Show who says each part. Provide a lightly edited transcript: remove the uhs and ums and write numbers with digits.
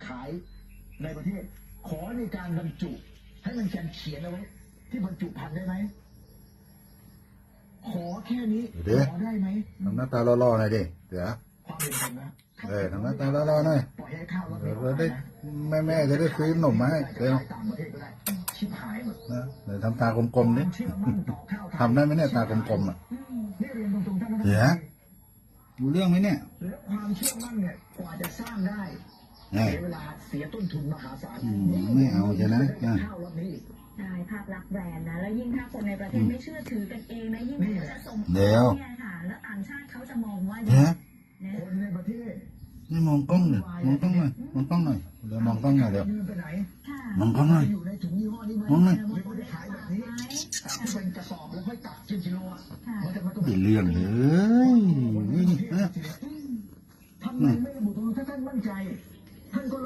Speaker 1: ขายในประเทศขอในการบรรจุให้มันเขียนเอาไว้ที่บรรจุภัณฑ์ได้ไหมขอแค่นี้ขอได้ไหม
Speaker 2: ทำหน้าตาล่อๆหน่อยดิเดี๋ยว
Speaker 1: ความเป็นคนนะ
Speaker 2: ทำหน้าตาล่อๆหน่อย
Speaker 1: ปล่อยให้ข้าวเรา
Speaker 2: เดี๋ยวได้แม่จะได้ซื้อขนมมาให้เดี๋ยว
Speaker 1: ต่างประเทศก็ได้ชิบหายหมด
Speaker 2: นะเดี๋ยวทำตากลมๆดิทำได้ไหมเนี่ยตากลมๆอ่ะเดี๋ยวรู้เรื่องไหมเนี่ย
Speaker 1: แล้วความเชื่อมั่นเนี่ยกว่าจะสร้างได้เสียเวลาเสียต้นทุนมหาศาล
Speaker 2: ไม่เอาใช่ไหม
Speaker 1: ข้าวรอบนี้
Speaker 3: ใช่ภาพลักษณ์แบรนด์นะแล้วยิ่งถ้าคนในประเทศไม่เชื่อถือกันเองนะยิ่งเขาจะส่งเนี่ยค่ะแล้วต่างชาติเขาจะมองว่า
Speaker 1: คนในประเทศ
Speaker 2: นี่มองกล้องหน่อยมองกล้องหน่อยมองกล้องหน่อยเดี๋ยวมองกล้องหน่อยเดี๋ยวมองกล้องหน่อยมองหน่อย
Speaker 1: เป็นกระสอบแล้วค่อยตัดกิโลอ่ะ
Speaker 2: ไม่เรื่องเลยนี่
Speaker 1: ทำไมไม่ระบุตรงถ้าท่านมั่นใจท่านก็